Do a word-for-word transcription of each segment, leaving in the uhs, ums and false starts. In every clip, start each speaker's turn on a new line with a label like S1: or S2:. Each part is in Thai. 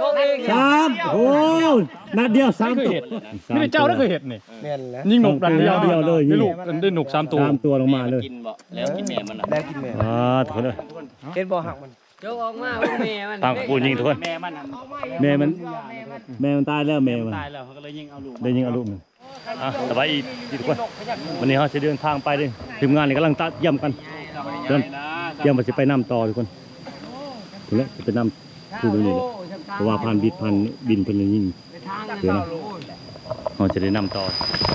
S1: สามโอ้นัดเดียวสามตัว
S2: นี่เจ้าได้เคยเห็นนี่ยิงหนกดันเดียวเดียวเลยได้ลูกได้หนกสามตัว
S1: สามตัวลงมาเลย
S3: กินบ่แล้วกินแม่มัน
S4: แล้วกินแม่
S1: อ่าทุกคนเลย
S4: เห็นบ่หักมัน
S5: ยกออกมาแม่มัน
S1: ตามกูยิงทุกคนแม่มันแม่มันแม่มันตายแล้วแม่มัน
S2: ตายแล้วเขาก็เลยยิงเอาลูก
S1: ได้ยิงเอาลูกมันอ่ะสบายอีกทุกคนวันนี้เขาจะเดินทางไปเลยทีมงานนี่กำลังตัดเยี่ยมกันเดินเยี่ยมมาจะไปนำต่อทุกคนถูกแล้วจะไปนำคู่นี้เลยเพราะว่าพันบิดพันบินเป็นยิงเดี๋ยวนะเราจะได้นำต่อ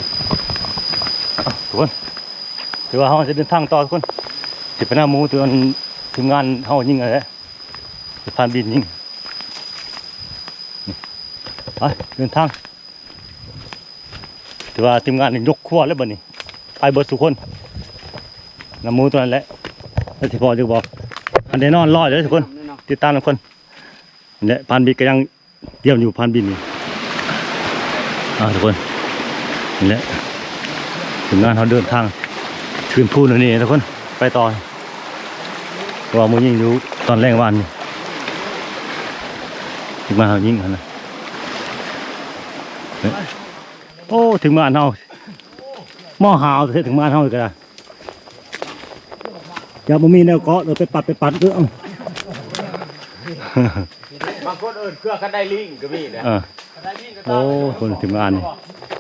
S1: ทุกคนถือว่าเขาจะเดินทางต่อทุกคนจะไปนำมูตัวทีมงานเขายิงอะไรพันบินยิงไปเดินทางถือว่าทีมงานนี่ยกขั้วแล้วบ่นี่ไปเบิดทุกคนนำมูตัวนั้นแหละแล้วที่พอจะบอกอันเดนอนรอดเลยทุกคนติดตามทุกคนเนี่ยพันบินก็ยังเยี่ยมอยู่พันบินนี่อ่าทุกคนนี่ทีมงานเขาเดินทางคืนพูนนี่ทุกคนไปต่อว่ามูยิงอยู่ตอนแรกวันนี่ถึงมาเขายิงกันนะโอ้ถึงมาเขาหม้อหาวเสร็จถึงมาเขาอีกแล้วอย่าบ่มีแนวเกาะเราไปปัดไปปัดเรื่อง
S3: บางคนเอิ้นเครือกันได้ลิงก็มีนะ
S1: โอ้คนถึงงานนี่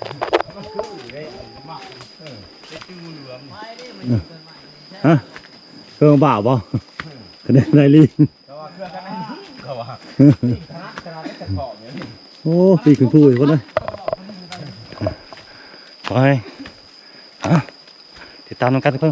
S1: ฮะเครื่องบ่าวบ่คะแนนได้ลิงโอ้ปีขึ้นพูดคนเลยไปติดตามน้องกันทุกคน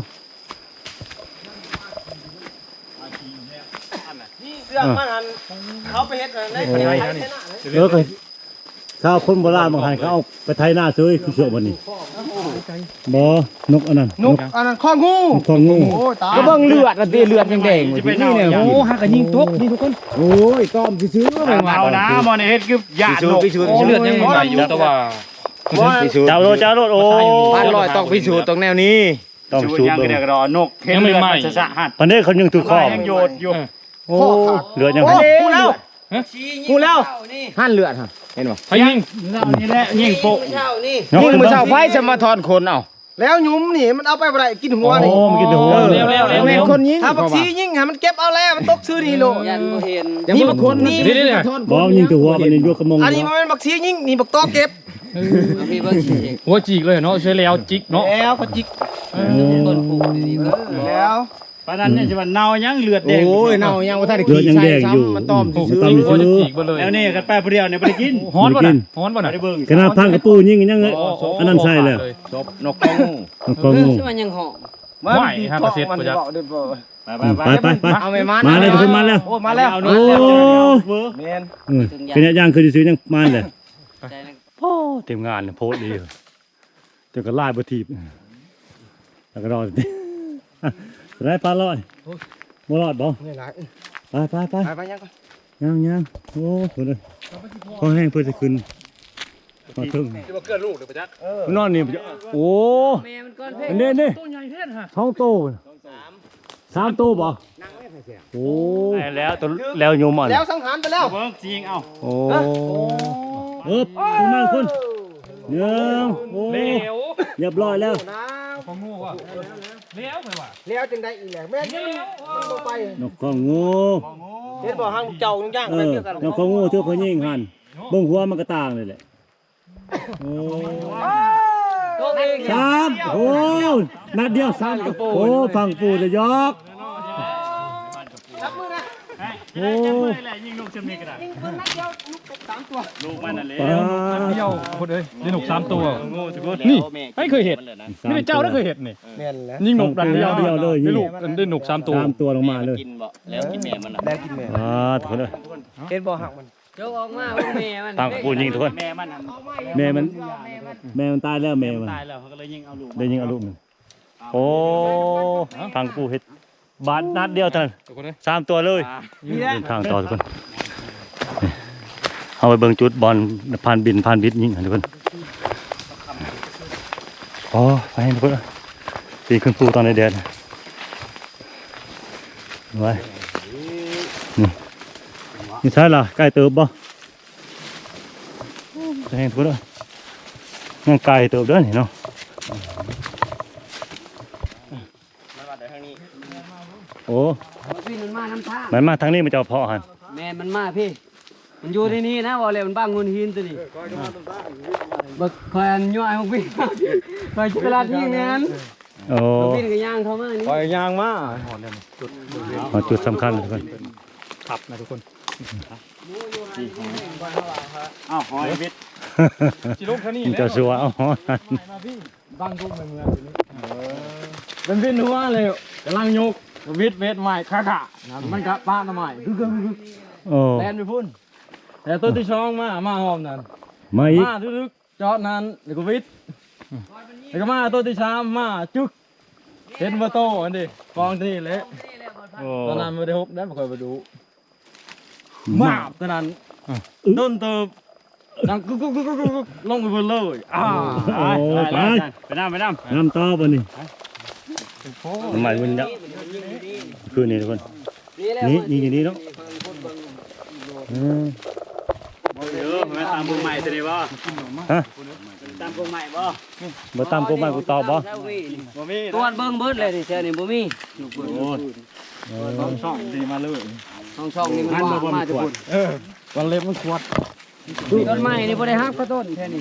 S4: เรื่องมันเขาไปเฮ็ดในคนไทย
S1: เออเคยข้าวคนโบราณบางท่านเขาเอาไปไถนาซื้อคือเชื่อวันนี้บ่นกอันนั้น
S4: นกอันนั้นข้องู
S1: ข้องู
S4: ก็เบิ่งเลือดอะตีเลือดแดงๆนี่เนี่ยโอ้หักก็ยิงตกนี่ทุกคน
S1: โอ้ยต้อมซื้อ
S2: ๆเอานะมอนี่เฮ็ดคือหยาดนกเลือดยังบ่อยู่แต่ว่า
S1: เจ้าโลเจ้าโลโอ้
S4: พันลอยต้องพิสูจน์ตรงแนวนี้
S1: ต้องพิสูจน์
S2: ยังก็ได้ก็นกเห็นเลือดมันสะหัด
S1: ตอนนี้เขายังถือข้อ
S2: ยังโยดอยู่
S1: โอ้เลือดยัง
S4: กูแล้วกูแล้วหั่นเลือดฮะเห็นบ่
S2: เขายิงนี่แหละยิงโปะ
S4: ยิงมือเช้าไฟจะมาถอนขนเอาแล้วยุ้มนี่มันเอาไปบ่ได้กินหัวนี่
S1: โอ้มันกินหัว
S2: แล้วๆๆ
S4: แม่นคนยิงถ้าบักซียิงให้มันเก็บเอาแล้วมันตกซื้อนี่โล
S5: ยันบ่เห็น
S4: นี่บักคนนี่
S1: บ่ยิงถือหัวมันนี่ยกกระมง
S4: อันนี้มันเป็นบักซียิงนี่บักตอเก็บ
S5: มีเบิ่งสิ
S2: หัวจิกเลยเนาะใช้แล้วจิกเนาะ
S4: แล้วก็จิก
S5: ต้นผูดีๆเบิ่ง
S4: แล้ว
S2: ปานนั้นเนี่ยสิว่าเน่ายังเลือดแดง
S4: โอ้ยเน่ายังบ่ทันได้กินใส่ซ้ำมันต้อมซื้อ
S2: โอ้ยจิกบ่เลยแล้วนี่กันไปผู้เดียวเนี่ยบ่ได้กินฮ้อนบ่น่ะฮ้อนบ่น่ะได้เบิ่ง
S1: กระนาพังกระปูยิงยังเลยอันนั้นใช่แล้ว
S3: จบนกข้องู
S1: นกข้องู
S5: คือมันยังหอม
S2: ไม่ฮะประเสริฐบ่จัก
S1: ไปไปไป
S4: เอาไม่มา
S1: มาแล้วทุกคนมาแล้ว
S4: โอ้มาแล้ว
S1: โอ้
S4: แม่น
S1: เป็นอย่างคือซื้อยังมาเลยโอ้เต็มงานโพสดีเดี๋ยวก็ไล่บ่ทีบแล้วก็รอได้ปลาลอยบ่รอดบ่ไปไปไป
S4: ไปยังก่อน
S1: ยังยังโอ้โหเลยพอแห้งเพื่อจะขึ้นมาถึง
S2: จะมาเกิดลูกเดี๋ยวไปจัก
S1: นอนนี่โอ้
S5: แม่มันก้อนเพชร
S1: นี่นี่
S2: ตัวใหญ่เท่ฮะ
S1: ท้องโตสามโตบ่โอ้แล้วตัวแล้วโยมอ่ะ
S4: แล้วสังหารไปแล้ว
S2: เบิ่งจริงเอา
S1: โอ้เออคุณมาคุณเนื้อโอ้เรียบร้อยแล้ว
S2: ของงูว่ะแล้วไปว่ะ
S4: แล้วจังได้อีกแหละแม่นี่มันบ่ไป
S1: นกของงู
S4: เห็นบ่หางเจ้าย่างๆ
S1: อะไรเกี่ยวกันนกของงูเท่าพญิงหันเบิ่งหัวมันก็ต่างเลยแหละโอ้สามโอ้นัดเดียวสามโอ้ฟังปูจะยกโอ้
S2: ยิงนกจำนี่ก็ได้
S4: ยิงเพิ่นนัดเดียวลูกตกสามตัว
S2: ลูกมันนั่นแหละนัดเดียวคนเอ้ยได้นกสามตัวนี่ไม่เคยเห็นนี่เจ้าได้เคยเห็นนี่
S4: แม่นแล้ว
S2: ยิงนกดันเดียวเดียวเลยได้ลูกได้นกสามตัว
S1: สามตัวลงมาเลย
S3: กินบ่แล้วกินแม่มัน
S4: แล้วกินแม่
S1: อ่าทุกคนเลย
S4: เห็นบ่หักมัน
S5: ยกออกมาแม่มัน
S1: ตั้งปูยิงทุกคน
S2: แม่มัน
S1: แม่มันแม่มันตายแล้วแม่มัน
S2: ตายแล้วเขาก็เลยยิงเอาลูก
S1: ได้ยิงเอาลูกมันโอ้ทางปูเห็ดบาดนัดเดียวเท่านั้นสามตัวเลยเดินทางต่อทุกคนเอาไปเบิ่งจุดบอลผ่านบินผ่านบิดยิงทุกคนโอ้ไปทุกคนปีขึ้นปูตอนในแดดไว้นี่นี่ใช่ล่ะใกล้เติบบ่แห้งทุกคนย่างไก่เติบเด้อนี่เนาะ
S3: มาว่าแต่ทางนี้
S1: โอ้
S5: พี่มันมาน้ำท่า
S1: มันมาทางนี้มันจะเอาเพาะหัน
S5: แม่มันมาพี่ มันอยู่ที่นี่นะบอกเลยมันบ้างเงินหินตัวนี้บักคอยอันย่อยของพี่คอยเวลาที่นั้น
S1: โอ้
S5: พี่ก็ย่างเข้ามานี่
S4: ปล่อยยางมา
S1: เอาจุดสำคัญทุกคน
S2: ขับนะทุกคน
S3: อ้าวหอยวิทย์
S2: จิลุกเท่านี้
S1: มันจะสัวเอาหอน
S2: บ้างกุ้งในเมืองตัวนี้
S4: เป็นวินหัวเลยกำลังยกวิทย์เวทใหม่ขาขามันกะป้าทำไมคือคือ
S1: โอ้
S4: แลนไปพุ่นแต่ตัวที่ช่องมามาหอมนั่น
S1: มาอีก
S4: มาทึกๆจอดนั้นเดี๋ยวก็วิทย์แล้วก็มาตัวที่สามมาจึกเห็นว่าโตอันนี้กองที่เละ
S1: โอ้
S4: ตอนนั้นไม่ได้ฮบได้ไม่เคยไปดูมาบตอนนั้นโดนเติบดังกุ๊กกุ๊กกุ๊กกุ๊กกุ๊กลงไปบนเลยอ่า
S1: โอ้ไป
S3: ไปน้ำไปน้ำ
S1: น้ำต่อบ่นี่ทำไมมันเนี่ยคือนี่ทุกคนนี่นี่อย่างนี้เนาะอืม
S3: เออมาตามวงใหม่ตัวนี้บ่
S1: ฮะ
S3: ตามวงใหม่บ่
S1: บ่ตามกูมากูตอบบ่
S3: บ่มี
S5: ตัวเบิ้งเบิดเลยดิเจ้านี่บ่มี
S3: โอ้
S4: ต้องช่องดีมาเลย
S5: ห้องช่องนี่มันว่างมาจะพุ่น
S4: เออวันเล็บมันขวด
S5: ต้นไม้นี่บ่ได้ฮักก็ต้นแค่นี้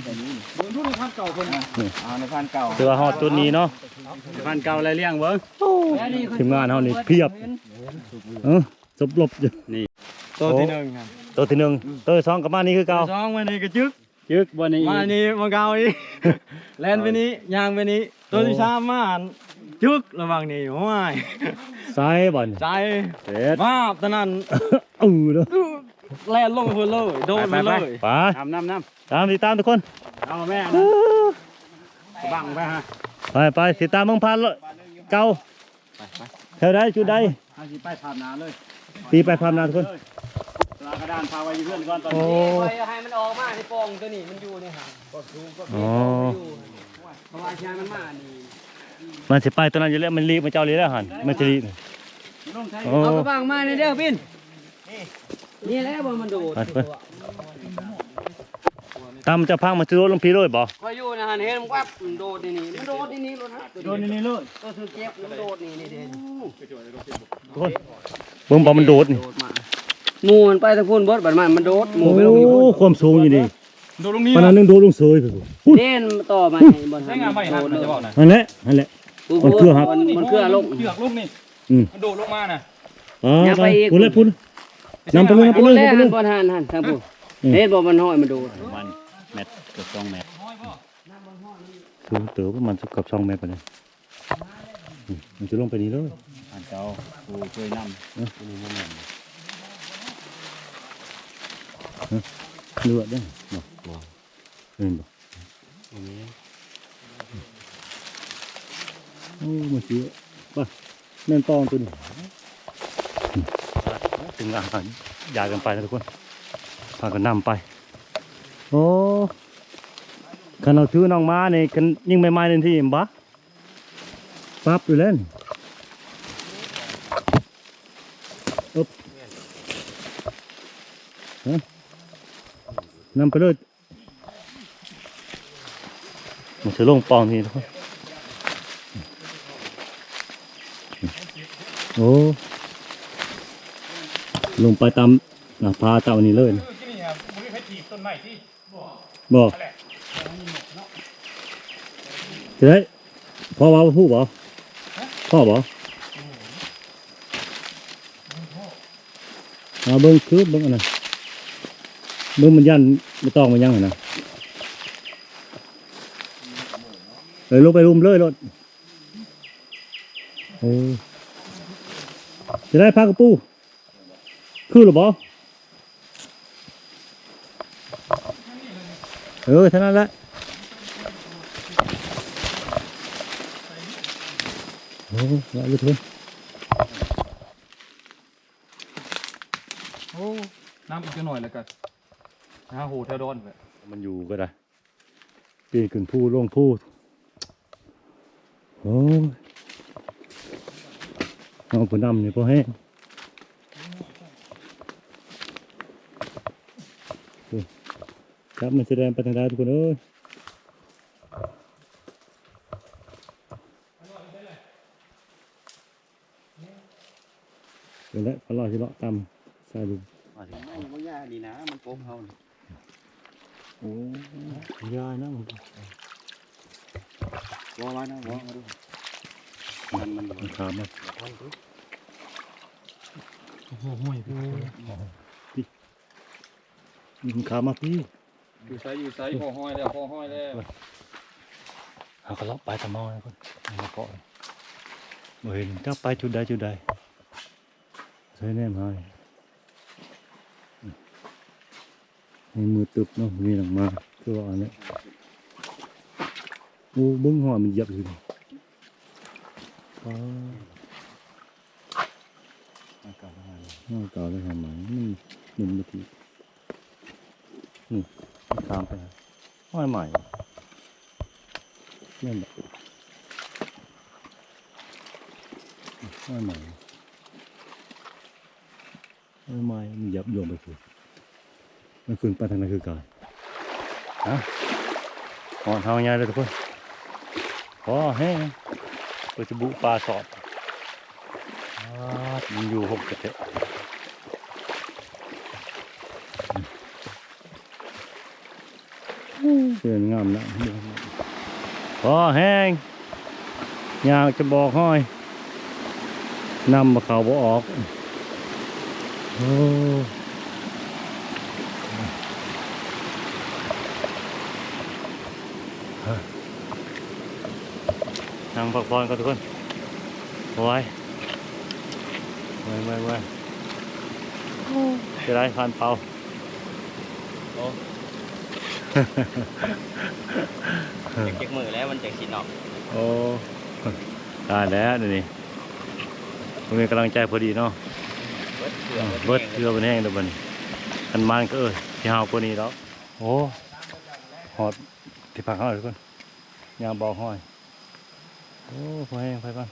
S3: อ่าในพันเก่า
S1: ถือว่าฮอดจุดนี้เนาะ
S3: ในพันเก่าอะไรเลี้ยงเบิ่ง
S1: ทีมงานเฮานี่เพียบเออสบลบอยู่
S4: ตัวที่หนึ่งครับ
S1: ตัวที่หนึ่งตัวที่สองก็มานี่คือเก่า
S4: ช่องมานี่ก็จึก
S3: ยึกบ่นี่
S4: มานี่มาเกาอีกแลนไปนี้ยางไปนี้ตัวที่สามมาจึกระวังนี่โอ้ย
S1: ซ้ายบ่น
S4: ใจ
S1: เด็ด
S4: มาบตอนนั้น
S1: เออเด้อ
S4: แลนลงไปเลยโดนไปเลย
S1: ไป
S3: น้ำน้ำน้
S1: ตามติดตามทุกคน
S3: ำเอาแม่นะบังไปฮะ
S1: ไปไปติดตามเมืองพันเลยเก่าแถวใดจุดใด
S3: เอาสิไปถามน้ำเลย
S1: ตีไปความนาทุกคน
S3: ลากระดานพาไว้อยู่เพื่อนก่อนตอน
S1: โอ้
S3: นี้
S5: ให้มันออกมาในปองตัวนี้มันอยู่นี่ฮะ
S1: อ๋อ
S5: เพราะว่าชายมันมานี่
S1: มันสิไปตัวนั้นอยู่แล้วมันรีบมันเจ้ารีแล้วหันมันจะรีบโอ้
S5: เอากระบังมาในเด้อพี่นนี่แหละบ่มันโดด
S1: ไปไปตามจะพังมาซื้อรถลงพีเลยบ่
S5: พออยู่นะฮะเห็นมันวับมันโดดนี่นี่มันโดดนี่นี่รถฮะ
S3: โดนนี่เลย
S5: ตัวถือเก็บมันโดดนี่นี่เด่น
S1: ทุกคนเบิ่งบ่มันโดดนี่
S5: โดดมาหมูมันไปตะพูนเบิดบัดมันมันโดดหมู
S1: โอ้
S5: ไปลงนี่พุ่น
S1: ความสูงอยู่นี่
S2: โดนลงนี้
S1: ปานนั้นนึงโดดลงเสยไปพุ่น
S5: เด่นต่อมาบน
S2: ใช้งานไม่หันนะจะบอกนะ
S1: นั่นแหละนั่นแหละ มันเครือครับ
S5: มันเครือลง
S2: เชือกลูกนี่
S1: อืม
S2: มันโดดลงมาน่ะ
S1: อ๋อ
S5: อย่าไปอีก
S1: พุ่นเลยพุ่นนำไปเลยนำไป
S5: พู
S1: เล
S5: ด
S1: ย
S5: แรก
S1: นำไปเล
S5: หั
S1: ย
S5: นบนหันหันทางผู้เห็นบ่มันห้อยมันโดด
S3: มันเม็ดเกือบสองเม็ด
S1: สูงเต๋อประมาณสักกับสองเมตรไปเลยอืมมันจะลงไปนี่เลย
S3: อันเจ้าผู้ช่วยนำอันนี้บ่แม่น
S1: เลือดได้บ่บ่เห็นบ่โอ้มาเสียป่ะแม่นตองตัวนี้อืมถึงอาหารยากันไปนะทุกคนพากันนำไป โอ้คันเราถือน้องม้านี่กันยิ่งไม่ไม้ในที่บ่ปั๊บอยู่เล่นอึ๊บฮะนำไปเลยมันจะลงปองทีทุกคนโอ้ลงไปตามหน้าผาเจ้านี่เลยนะ
S2: ที่นี่ครับมันไม่ใช่ถีบต้นไม้ที่
S1: บอกจะได้พ่อว่าพูดบ่พ่อบ่เอาเบิ้งคือเบิ้งอันนั้นเบิ้งมันยันไม่ต้องมันยังเหรอนะเลยลงไปรุมเลยรถโอ้จะได้พากระปูคือหรือบ่เออเท่านั้นแหละโอ้ละลึกเลย
S2: โอ้น้ำอีกหน่อยแล้วกันนะโหแถวดอนเลย
S1: มันอยู่ก็ได้ปีนขึ้นผู้ลงผู้โอ้ยเอาผลดำนี่พอแห้งครับมันแสดงไปทางใดทุกคนเอ้ยเดี๋ยวแล้วพอรอสิเลาะตามสายลุง
S4: มาถึงไม่ไม่ยากดีนะมันโป๊กเขา
S1: โอ้ยายนะมัน
S4: วอไว้นะวอมาดูมันมัน
S1: มันขาดมา
S2: โอ้โหห่วยพี่
S1: มันขาดมาพี่
S2: อยู่ไซอยู่ไซพอห้อยแล้วพอห้อยแล้ว
S1: เอากระเลาะไปทำเมาแล้วคนมาเกาะเห็นถ้าไปจุดใดจุดใดใช้แน่มาในมือตึบเนาะมีหลังมาคือว่าอันนี้โอ้บึ้งหอยมันเหยับอยู่นี่อ๋อ
S4: มันเก่าแล้ว
S1: น่าเก่าแล้วทำไมมันหนึ่งนาทีนี่ตามไปนะห้อยใหม่นี่นแหละห้อยใหม่ห้อยใหม่มันยับโยงไปคือมันขึ้นไปทางนั้นคือกายฮะหอนเท้าใหญ่เลยทุกคนพอแห้งไปจะบุปลาสอดอ่ามันอยู่หกกระเทะเสื่อนงามนะพอแห้งอยากจะบอกห้อยนำมาเขาบ่ออกโอ้นั่งพักผ่อนกันทุกคนโอ้ยไม่ไม่ไม่จะได้ผ่านเป่า
S4: เจ็กมือแล้วมันเจ็กสีนอก
S1: โอ้ได้แล้วเดี๋ยวนี้ผมมีกำลังใจพอดีเนาะ
S4: เบิดเกลือ
S1: เบิดเกลือเป็นแห้งเดี๋ยวมันกันมันก็เออที่หาวกว่านี้แล้วโอ้หอดที่พักเขาเลยทุกคนยางบอกห้อยโอ้พอแห้งไปบ้าง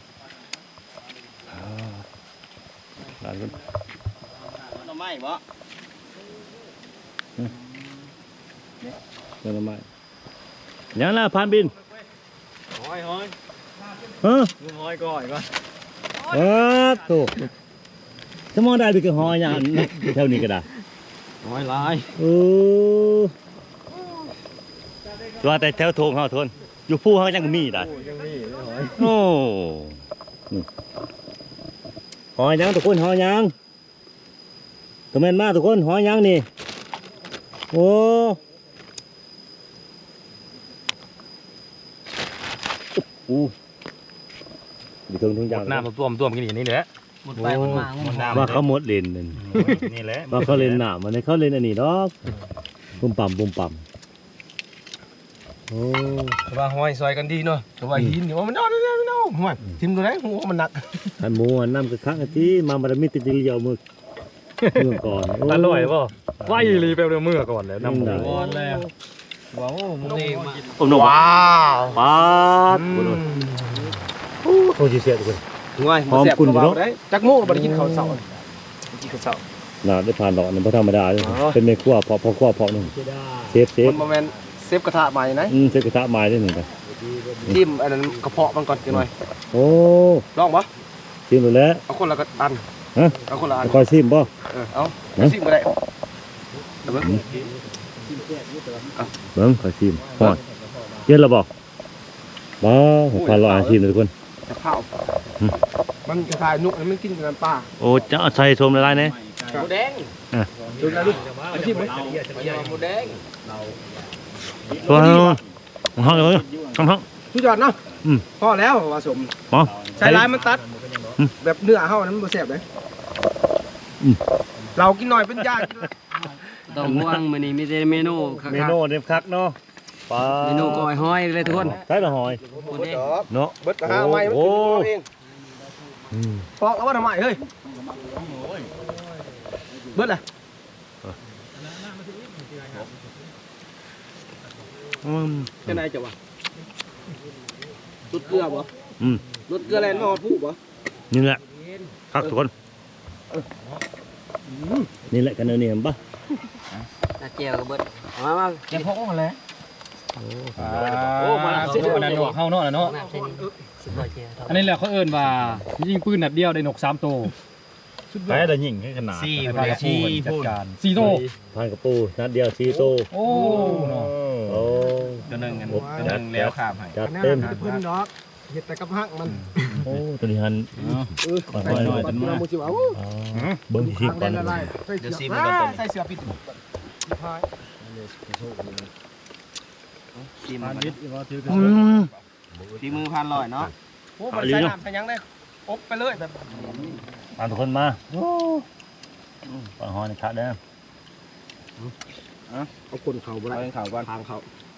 S1: หลานคน
S4: หน่อไม้บ่
S1: เดินมายังล่ะพานบิน
S4: ห้อยห้อย
S1: ฮะ
S4: งูห้อยก่อยก่อน
S1: เออถูกจะมองได้ไปกี่หอยอย่างนั้นแถวนี้ก็ได้
S4: ห้อยลาย
S1: เออว่าแต่แถวโถงเขาทนอยู่ผู้เขายังมีได้
S4: ยังมีห้อย
S1: โอ้นี่หอยยังทุกคนหอยยังตัวแม่นมากทุกคนหอยยังนี่โอ้โอ้ดีเครื่องทุกอย่าง
S2: หน้ามาต้วมต้วมกันอย่างนี้เลย
S5: หมดไปหมดมาหมดมา
S1: ว่าเขาหมดเลนนั่น
S2: นี่แหละ
S1: ว่าเขาเล่นหนามมันเขาเล่นอันนี้ดอกปุ่มปั่มปุ่มปั่มโอ้
S3: ว่าห้อยซอยกันดีเนาะแต่ว่าหินนี่ว่ามันนอนนอนนอนห้อยทิมตัวไหนหัวมันหนัก
S1: ขันหมูอันน้ำกระคักอันที่มาบารมีติดเดียวมือเมื่อก่อน
S2: อร่อยป่ะไฟรีไปเมื่อก่อนเลยน้ำหมู
S1: ได้
S5: ก่อนแล้วว้าวมึงเองมา
S1: ผมหนุ่ม
S3: ว้าว
S1: ป๊าดโอ้โหโอ้โหจีเสียทุกคน
S3: ง่าย
S1: หอมกุ่นอยู่เนอะ
S3: ได้จักโม่บ่ได้กินข้าวเช้ากินข้าวเช้า
S1: น่าได้ผ่านดอกนี่ไม่ธรรมดาเลย
S3: อ๋อ
S1: เป็นในครัวพอพอครัวพอหนึ่งเซฟเซฟ
S3: มันบ่แม่นเซฟกระทะใหม่นะ
S1: อืมเซฟกระทะไม้ได้หนึ่งไป
S3: จิ้มอันนั้นกระเพาะมันก่อนจังหน่อย
S1: โอ้
S3: ลองบ่
S1: ชิมดูแล้ว
S3: เอาคนละกระอัน
S1: ฮะ
S3: เอาคนละอัน
S1: คอยชิมป่ะ
S3: เออเอา
S1: ฮะ
S3: ซิมก็ได้เอาเบิ่ง
S1: เบิ้งคอยชิมพอดเย็นแล้วบอกบ้าผมพาเราอาชิมเลยทุกคน
S3: จะเผามันกระทายนุกมันกินกับน้ำปลา
S1: โอ้จะเอาใส่ชมละลายเนี่ย
S5: หมูแดง
S3: ดูนะลูกเอาซิมไหม
S5: หมูแดง
S1: ตัวห้องห้องเลยห้องห้อง
S3: ทุกยอดเนาะ
S1: อืม
S3: พอแล้วว่าสม
S1: ป๋อ
S3: ใช้ลายมันตัด
S1: อืม
S3: แบบเนื้อเฮานั้นบ่แซ่บเลย
S1: อืม
S3: เรากินหน่อยเป็นยาก
S5: ต้องห่วงมื้อนี้มีแต่เมนูคัก
S1: เมนูเด็ดคักเนาะปลา
S5: ๆเมนูก้อยห้อยเลยทุกคน
S1: ใช่ละหอย
S5: หมูแดง
S1: เนาะ
S3: เบิดกระหาไม้มัน
S1: โอ้
S3: กินเอาเอง
S1: อืม
S3: ปอกแล้วว่าทำไมเฮ้ยเบิดเลย
S1: อืม
S3: เป็นไรจ้ะวะรสเกลือบ่
S1: อืม
S3: รสเกลือแลนด์มาฮอดผู้บ่
S1: นี่แหละคักทุกคนนี่แหละกันเนอเนี่ยเห็นปะ
S5: ตาเจียวก็เบิดมามา
S2: แกพกมาแล้ว
S3: โอ้
S2: โอ้มาเส้นอันนั้นเฮาเนาะเนาะ
S5: น้ำเส้นสิบกว่าเจียว
S2: อันนี้แหละเขาเอิ้นว่ายิงปืนนัดเดียวได้นกสามตัว
S1: ไปได้ยิงให้ขนาด
S3: สี่
S2: ให้
S3: พา
S2: พาก กระ
S3: สี่
S2: ปูจัด
S3: พูด
S2: การสี่ตัว
S1: พันกระปูนัดเดียวสี่โต
S2: โอ้เนาะ
S1: โอ้
S3: ตัวหนึ่งกันตัวหนึ่งแล้วข้ามให้
S1: จัดเต็ม
S3: เพิ่นดอกเฮ็ดแต่กับหักมัน
S1: โอ้ตัวนี้หัน
S3: เออ
S1: ค่อยๆหน่อย
S3: มันมาสิว่า
S1: อ๋อเบิ้งที่ก่อน
S3: เดี๋ยวซีมันกันใส่เสื้อปิดพายซีมัน
S1: อืม
S3: ตีมือพันลอยเนาะโอ้บ่ใส่น้ำใส่ยังได้อบไปเลยแบบ
S1: ตามทุกคนมาโอ้ปังฮอนขาดได้
S3: เอาคนเขาบ่ได้เอาเขาก่อนทางเขา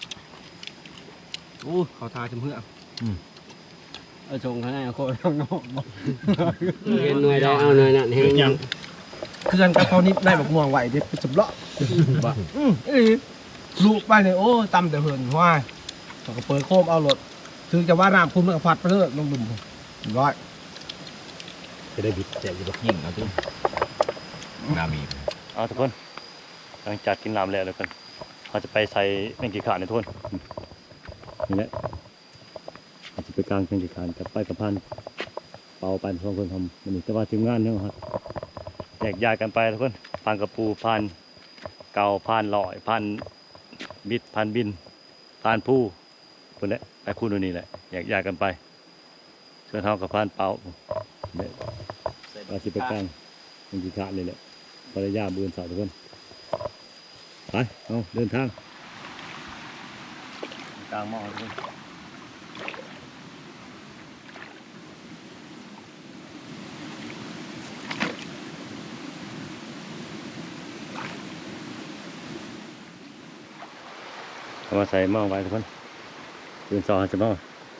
S3: โอ้เขาทาจมเพื่อ
S5: เอาชงข้างในเอาโคตรข้างนอกเห็นหน่วยได้เอาหน่วยนั่นเห็นยัง
S3: เคลื่อนกับเขานิดได้แบบม่วงไหวเด็ดจับเลาะอืมเอ้ยลูกไปเลยโอ้ตำแต่เหินว่าเขาก็เปิดโคมเอารถถึงจะว่าน้ำคุณมันก็พัดไปเลยลงดุมร้อย
S1: จะได้บิดแจกอยู่ดอก
S3: ยิงเอาตุ้มน้ำมี
S1: เอาทุกคนหลังจากกินลามแล้วทุกคนเราจะไปใส่แมงกีขาดในทุกคนนี่แหละเราจะไปกลางแมงกีขาดกับไปกับพันเป่าไปทุกคนทำมันจะว่าทีมงานเนี่ยครับแยกย้ายกันไปทุกคนพันกระปูพันเก่าพันลอยพันบิดพันบินพันผู้คนนี้ไปคู่นู่นนี่แหละแยกย้ายกันไปส่วนเท่ากับพันเป่าเนี่ยเราจะไปกลางแมงกีขาดเลยแหละภรรยาบืนสาวทุกคนไปเอาเดินทางกลางหม้อทุกคนเอามาใส่หม้อไว้ทุกคนบืนสาวจะหม้อ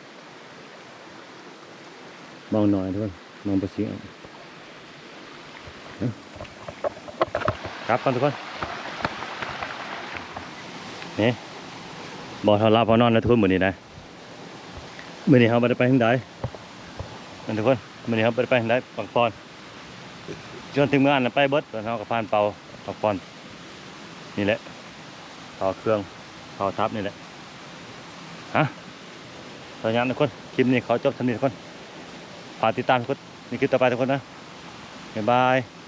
S1: หม้อหน่อยทุกคนมองไปเสียงครับก่อนทุกคนนี่บอทาราพอนอนแล้วทุกคนเหมือนนี้นะเหมือนนี้เขาไม่ได้ไปทางใดนั่นทุกคนเหมือนนี้เขาไม่ได้ไปทางใดปังปอนจนถึงเมื่ออันนั้นไปเบิดตอนเขากับพานเป่าปังปอนนี่แหละต่อเครื่องต่อทับนี่แหละฮะตอนนี้ทุกคนคลิปนี้เขาจบสำเร็จทุกคนฝากติดตามทุกคนนี่คลิปต่อไปทุกคนนะบ๊ายบาย